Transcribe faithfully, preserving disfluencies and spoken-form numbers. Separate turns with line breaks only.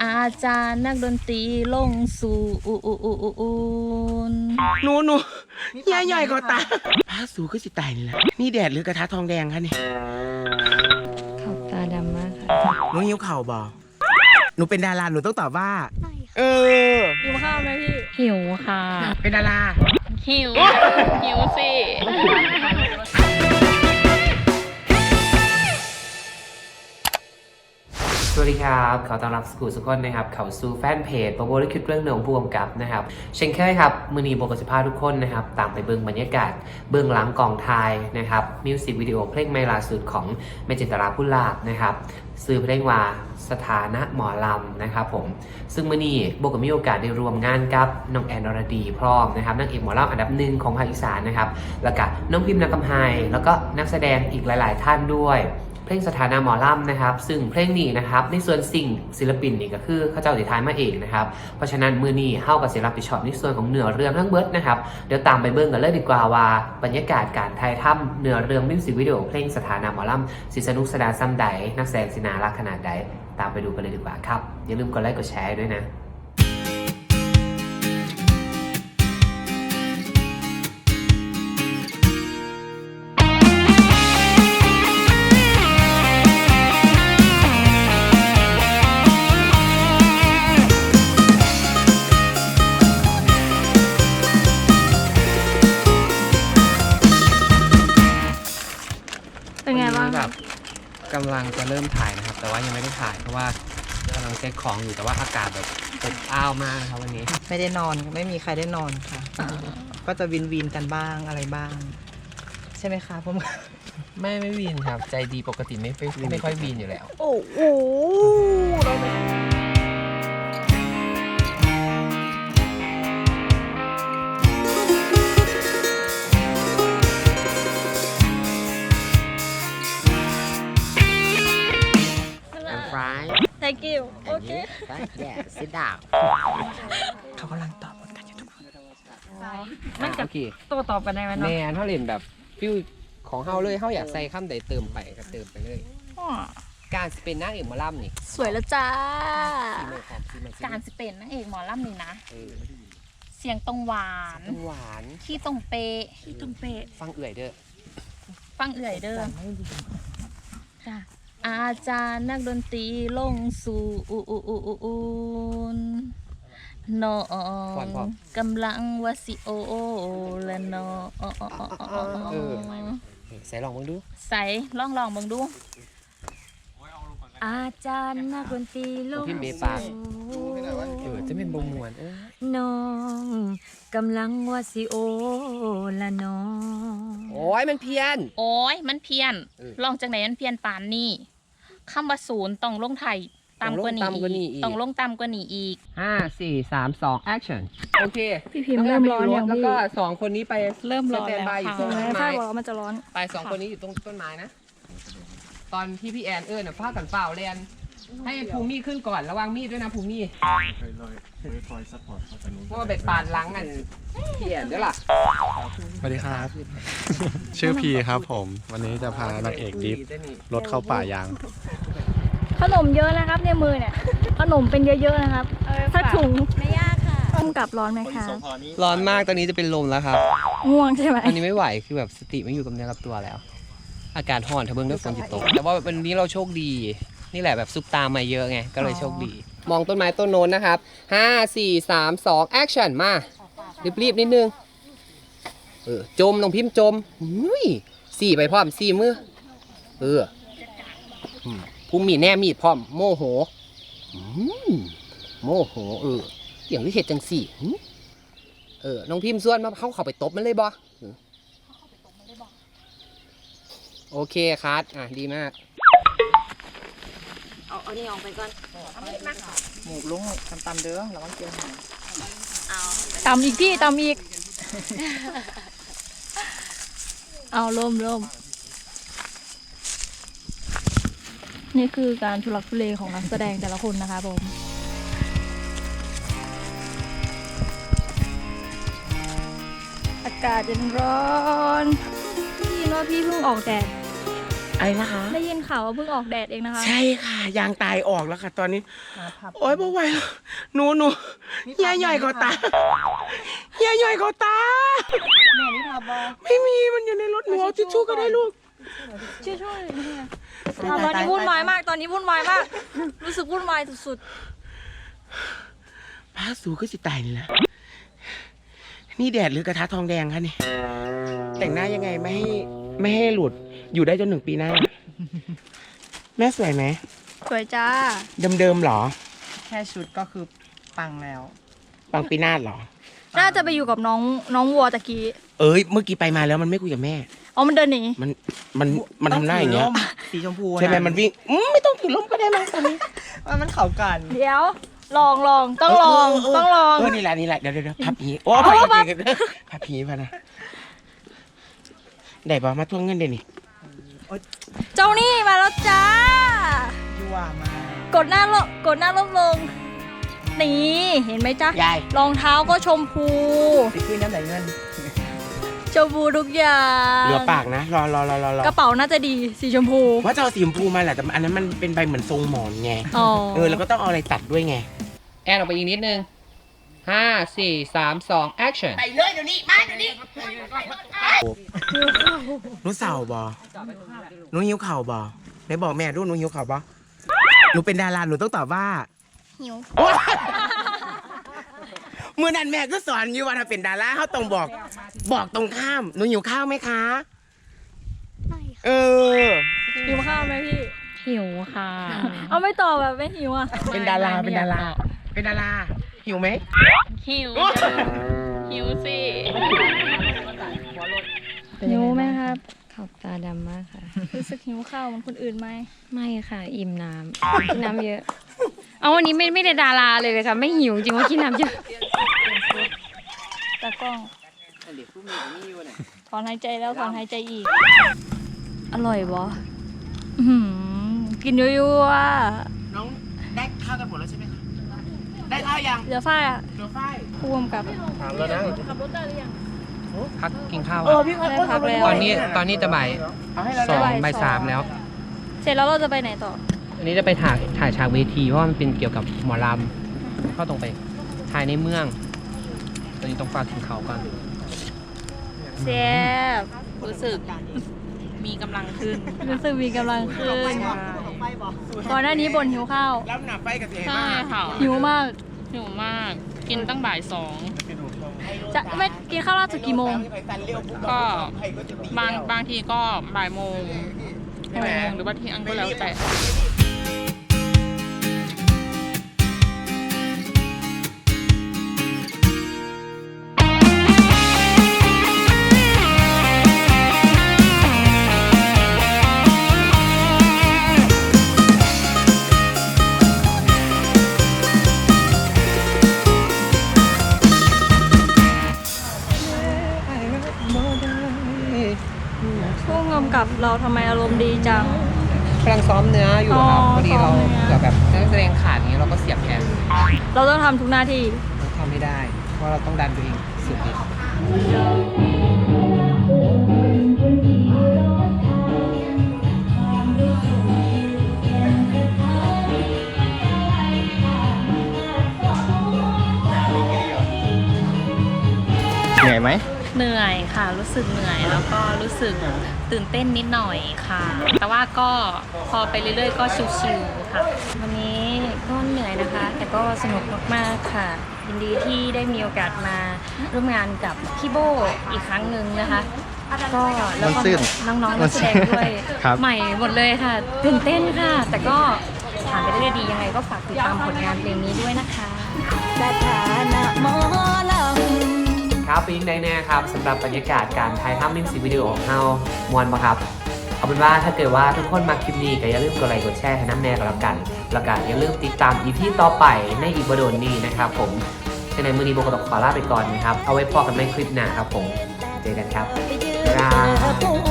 อาจารย์นักดนตรีลงสู่อูอูอูอูอูน
หนูหนูใหญ่ใหญ่ก็ตาพาสูก็สิตายนี่แหละนี่แดดหรือกระทะทองแดงคะนี่
ขอบตาดำมากค่ะ
หนูหิวเข่าบ่หนูเป็นดาราหนูต้องตอบว่าเออ
หิวข้าวไหมพี่ หิวค่ะ
เป็นดารา
หิว หิวสิ
สวัสดีครับขอต้อนรับสกูลสุกคนนะครับเข้าสู่แฟนเพจโปรโมทคลิปเรื่องหนึ่งผู้กำกับนะครับเช่นเคยครับมือนีโบกสิภาทุกคนนะครับตามไปเบื้องบรรยากาศเบื้องหลังกองถ่ายนะครับมิวสิกวิดีโอเพลงใหม่ล่าสุดของเมจิตราพุลาภนะครับซื้อเพลงว่าสถานะหมอลำนะครับผมซึ่งมือนีโบก็มีโอกาสได้รวมงานกับน้องแอนอรดีพร้อมนะครับนางเอกหมอลำอันดับหนึ่งของภาคอีสานนะครับแล้วก็น้องพิมพ์นากำไฮแล้วก็นักแสดงอีกหลายๆท่านด้วยเพลงสถานะหมอลำนะครับซึ่งเพลงนี้นะครับในส่วนสิ่งศิลปินนี่ก็คือเขาเจ้าติท้ายมาเองนะครับเพราะฉะนั้นมือนี้เข้ากับศิลปินช็อตในส่วนของเนื้อเรื่องทั้งเบิร์ดนะครับเดี๋ยวตามไปเบิ่งกันเลยดีกว่าว่าบรรยากาศการถ่ายทำเนื้อเรื่องมิวสิกวิดีโอเพลงสถานะหมอลำสิสนุกสนานซ้ำใดนักแสดงสินารักขนาดใดตามไปดูกันเลยดีกว่าครับอย่าลืมกดไลค์กดแชร์ด้วยนะ
เป็นไงบ้าง
แบบกำลังจะเริ่มถ่ายนะครับแต่ว่ายังไม่ได้ถ่ายเพราะว่ากำลังเซ็ตของอยู่แต่ว่าอากาศแบบอบอ้าวมากครับวันนี้
ไม่ได้นอนไม่มีใครได้นอนค่ะ ก็จะวินวินกันบ้างอะไรบ้าง ใช่ไหมคะผม
ไม่ไม่วีนครับใจดีปกติไม่ไม่ไม่ค่อยวีนอยู่แล้ว
โอ้โหเราไม่thank you โอเค
yeah sit down
เขากำลังตอบกันอยู่ทุกคน
มันจะโตตอบกันได้ไหม
แม
เนาะ
นเขาเล่นแบบฟิวของเฮาเลยเฮาอยากใส่คำใดเติมไปก็เติมไปเลย การสเป็นนางเอกหมอลำนี่
สวยแล้วจ้า
ซีเมอร์ความซีเมอร์
การสเป็นนางเอกหมอลำนี่นะ
เออ
เสียงตรงหวาน
หวาน
ขี้ตรงเปะขี้ตรงเปะ
ฟังเอื่อยเด้อ
ฟังเอื่อยเด้อจ้ะอาจารย์นักดนตรีลงสู่อูอูอูอูอูนน้องกำลังวาสิโอและน้อง
เออใส่ลองมึงดู
ใส่ลองลองมึงดู อาจารย์นักดนตรีลง
พิมพ์เบปากเออจะเป็นบงมวนเออ
น้องกำลังวาสิโอและน้อง
โอ้ยมันเพี้ยน
โอ้ยมันเพี้ยน
เออ
ลองจากไหนมันเพี้ยนปานนี่คำว่าศูนย์ต้องลงไทยต่ำกว่านี้
ต้องลงต่ำกว่านี้อีก
ต้องลงต่ำกว่านี้อีก
ห้าสี่สามสองแอคชั่นโอเค
พี่พิมพ์เริ่มร้อนยัง
แล้ว
พี่
ก็สองคนนี้ไป
เริ่มร้อนแล้ว
สตนบายอยู่
ค่ะ
ตรงต้น
ถ้า
ไม้
บอกว่ามันจะร้อน
ไปสองคนนี้อยู่ตรงต้นไม้นะ ตอนที่พี่แอนเอิญน่ะพากันเปล่าแลนให้ภูมิขึ้นก่อนระวังมีดด้วยนะภูมิเพราะว่าเบ็ดปาดหลังอันพี่แอนด้วยล่ะ
สวัสดีครับ ชื่อพีครับผม วันนี้จะพานางเอกดิฟรถเข้าป่ายาง
ขนมเยอะนะครับในมือเนี่ย ขนมเป็นเยอะๆนะครับสักถุงไม่ยากค่ะต้มกับร้อนไหมคะ
ร้อนมากตอนนี้จะเป็นลมแล้วครับ
ง่วงใช่ไหม
อันนี้ไม่ไหวคือแบบสติไม่อยู่กับเนื้อกับตัวแล้ว อากาศร้อนถ้าเบิ่งด้วยฝนจิตตกแต่ว่าวันนี้เราโชคดี นี่แหละแบบซุปตามาเยอะไงก็เลยโชคดี มองต้นไม้ต้นโน้นนะครับห้าสี่สามสองแอคชั่นมารีบๆนิดนึงเออจมน้องพิมพ์จมอุ้ยสี่ไปพร้อมสี่มือเอออืมภูมิมีแน่มีดพร้อมโมโหอืมโมโหเอออย่างที่เห็ดจังสี่หึเออน้องพิมพ์ส่วนมาเข้าเข้าไปตบมันเลยบ่โอเคคัดอ่ะดีมาก
เอาเอานี่ออกไปก่อน
หมูลุงตำๆเด้อระวังเจียวหาง
เอา
ตำอีกพี่ตำอีก เอาล่มล่มนี่คือการทุลักทุเลของนักแสดงแต่ละคนนะคะผมอากาศเย็นร้อนพี่ว่าพี่เพิ่งออกแดด
อะไรนะคะ
ได้ยินข่าวว่าเพิ่งออกแดดเองนะคะ
ใช่ค่ะยางตายออกแล้วค่ะ ตอนนี้ โอ๊ยบ่ไหวแล้วหนูหนูเฮียใหญ่กว่าตาเฮียใหญ่กว่าตา
แม่นี่ทาบอ
ไม่มีมันอยู่ในรถหนูเอาทิชชู่ก็ได้ลูก
ช่วยช่วยตอนนี้วุ่นวายมาก ตอนนี้วุ่นวายมาก รู้สึกวุ่นวายสุด
พาสูก็สิตายนี่แหละนี่แดดหรือกระทะทองแดงคะนี่แต่งหน้ายังไงไม่ให้ไม่ให้หลุดอยู่ได้จนถึงปีหน้า แม่สวยไหม
ๆ สวยจ้า
เดิมๆหรอ
แค่ชุดก็คือปังแล้ว
ปังปีหน้าหรอ
น่าจะไปอยู่กับน้องน้องวัวตะกี้
เอ้ยเมื่อกี้ไปมาแล้วมันไม่คุยกับแม่
อ๋อ มันเดินหนี
มันมันมันทำหน้าอย่างเงี้ย
ต้องถืร่มสีชมพู
ใช่ไหมมันวิ่งอืมไม่ต้องถือร่มก็ได้มั้งตอนนี้
ว่ามันเข่ากัน
เดี๋ยว ลองลองต้องลอง
เเ
ต้องลอง
เออนี่แหละนี่แหละเดี๋ยวเดี๋ยวเดี๋ยวพับผีโอ้พับผีกันพับผีพะนะได้ป่ะมาทวงเงินเดี๋ยวนี้
เจ้านี่มาแล้วจ้า
ยั่วมาก
ดหน้าลงกดหน้าลบลง นี่เห็นไหมจ๊ะ
ยาย
รองเท้าก็ชมพู
ไปขึ้นน้ำไหลเงิน
ชมพูทุกอย่าง
เหลือปากนะรอรอรอรอรอก
ระเป๋าน่าจะดีสีชมพู
ว่าจะเอาสีชมพูมาแหละแต่อันนั้นมันเป็นใบเหมือนทรงหมอนไง
อ๋อ
เออแล้วก็ต้องเอาอะไรตัดด้วยไง
แอนออกไปอีกนิดนึงห้าสี่สามสอง action
ไปเลยเดี๋ยวนี้มาเดี๋ยวนี้หนูเสาบอหนูหิวเข่าบอไหนบอกแม่ดูหนูหิวเข่าบอหนูเป็นดาราหนูต้องตอบว่า
หิว
เมื่อนั้นแม่ก็สอนอยู่ว่าถ้าเป็นดาราเขาต้องบอก บอกตรงข้ามหนูหิวข้าวไหมคะเออ
หิวข้าวไหมพี่
หิวค่ะ
เอาไม่ตอบแบบไม่หิวอ่ะ
เป็นดาราเป็นดาราเป็นดาราหิวไหม
หิวหิวสิ
หิวไหมครับ
ขอบตาดำมากค่ะ
รู้สึกหิวข้าวเหมือนคนอื่นไหม
ไม่ค่ะ อิ่มน้ำกินน้ำเยอะ เอาวันนี้ไม่ไม่ได้ดาราเลยเลยค่ะ ไม่หิวจริงว่ากินน้ำเยอะ
ตากล้องถอนหายใจแล้วถอนหายใจอีก อร่อยบออื้อหือกินยั่ว
น้องได้ข้าวกันหมดแล้วใช่ไหมคะได้ข้าวยัง
ๆเหลือฝ้ายอ่ะ
เดี๋ยวฝ้าย
พ่วงกับ
ถามแล้วนะ
ขับรถได้หรือยัง
พักกินข้าว
เออพี่เขา
ได้พักแล้ว
ตอนนี้ตอนนี้จะบ่าย
เอาให้เรา
สอง
บ่าย
บ่ายสามแล้ว
เสร็จแล้วเราจะไปไหนต่อ
อันนี้จะไปถ่ายถ่ายฉากเวทีเพราะว่ามันเป็นเกี่ยวกับหมอลำก็ต้องไปถ่ายในเมือง ตอนนี้ต้องฝากถึงเขาก่อน
แซ่บ
รู้สึกมีกำลังขึ้น
รู้สึกมีกำลังขึ้นก่อนหน้านี้บ่นหิวข้าว
แล้วหนาไฟกับเสีย
ใช่
มาก
ค่ะ
หิวมาก
หิวมาก กินตั้งบ่ายสอง
จะไม่กินข้าวราดสุดกี่โมง
ก็บางบางทีก็บ่ายโมงหกโมงหรือว่าเที่ยงก็แล้วแต่
ช่วงกำกับเราทำไมอารมณ์ดีจัง
กำลังซ้อมเนื้ออยู่ครับ
อ๋อ
พอดีเรา
ซ้อมเนื้อ
เผื่อแบบนักแสดงขาดอย่างนี้เราก็เสียบแทน
เราต้องทำทุกหน้าที่
เราทำไม่ได้ เพราะเราต้องดันตัวเองสุดฤทธิ์
เหนื่อยไหม
เหนื่อยค่ะ รู้สึกเหนื่อยแล้วก็รู้สึกตื่นเต้นนิดหน่อยค่ะ แต่ว่าก็พอไปเรื่อยๆ ก็ชิวๆค่ะ
วันนี้ก็เหนื่อยนะคะ แต่ก็สนุกมากๆค่ะ ยินดีที่ได้มีโอกาสมาร่วมงานกับพี่โบอีกครั้งหนึ่งนะคะ ก็แล้วก็
มันซื่น
น้องๆนักแสดงด้วย
ครับ
ใหม่หมดเลยค่ะตื่นเต้นค่ะ แต่ก็ผ่านไปได้ด้วยดียังไงก็ฝากติดตามผลงานเพลงนี้ด้วยนะคะ
สถานะหมอล
ครับเป็นยังไงแน่ครับสำหรับบรรยากาศการถ่ายทำมิวสิกวิดีโอของเฮามวนปะครับ เอาเป็นว่าถ้าเกิดว่าทุกคนมาคลิปนี้ก็อย่าลืมกดไลค์กดแชร์ให้น้ำแน่กันแล้วกันแล้วก็อย่าลืมติดตาม อี พี ต่อไปในอีกบโดนนี้นะครับผมฉะนั้นมือนี้โบก็ต้องขอลาไปก่อนนะครับเอาไว้พอกันในคลิปหน้าครับผมเจอกันครับ
ำไปยืน
ครับ
เธอ